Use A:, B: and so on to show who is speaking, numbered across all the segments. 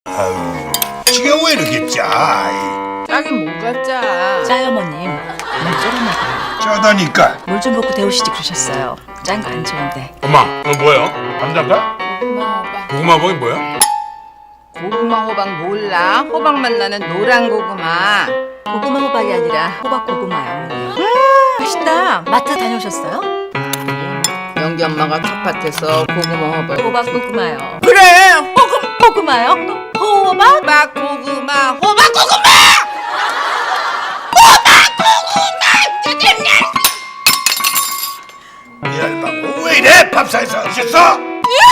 A: 아유, 지가 왜 이렇게 짜?
B: 짜긴 뭐가 짜?
C: 짜여머님 물 쫄았나 봐요.
A: 짜다니까.
C: 물 좀 붓고 데우시지 그러셨어요. 짠 거 안 좋은데.
D: 엄마, 이거 뭐예요? 감자인가?
B: 고구마 호박.
D: 고구마 먹이 뭐야?
B: 고구마 호박 몰라? 호박맛 나는 노란 고구마.
C: 고구마 호박이 아니라 호박 고구마요. 맛있다. 마트 다녀오셨어요?
B: 영기 엄마가 텃밭에서 고구마 호박.
C: 호박 고구마요.
B: 그래.
C: 고구마요? 호박?
B: 호박 고구마. 호박 고구마.
A: 이 알바고 왜 이래? 밥상에서 오셨어?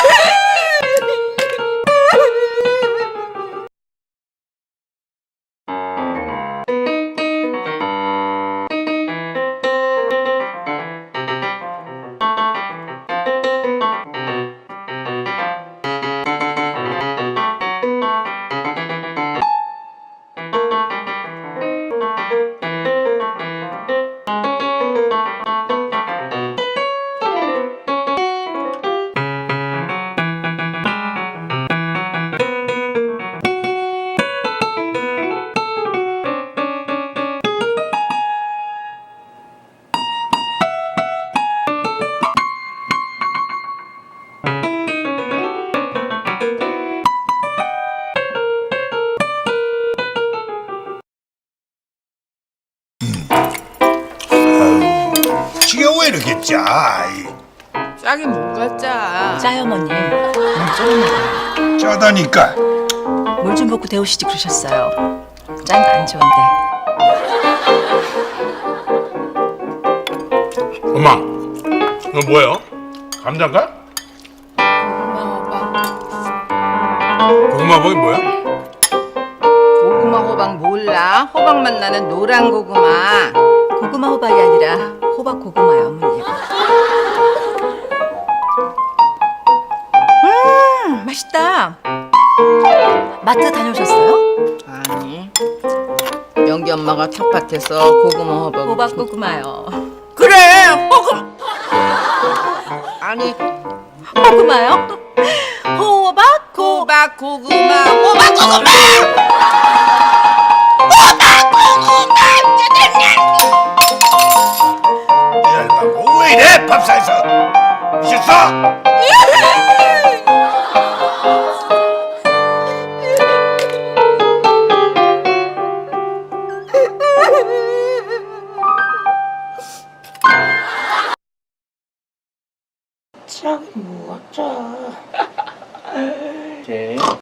A: 지가 왜 이렇게 짜?
B: 짜긴 뭐가 짜?
C: 짜여머님 물 쫄았나 봐요.
A: 짜다니까.
C: 물 좀 붓고 데우시지 그러셨어요. 짠 거 안 좋은데.
D: 엄마, 이거 뭐예요? 감자인가?
B: 고구마 호박.
D: 고구마 먹이 뭐야?
B: 고구마 호박 몰라? 호박맛 나는 노란 고구마.
C: 고구마 호박이 아니라 호박 고구마요, 어머님. 맛있다. 마트 다녀오셨어요?
B: 아니. 영기 엄마가 텃밭에서 고구마 호박.
C: 호박 고구마요.
B: 그래. 아니.
C: 고구마요? 호박
B: 호박 고구마. 호박 고구마.
A: 이 알바고 왜 이래? 밥상에서 오셨어?
E: 짱 뭐가 짜?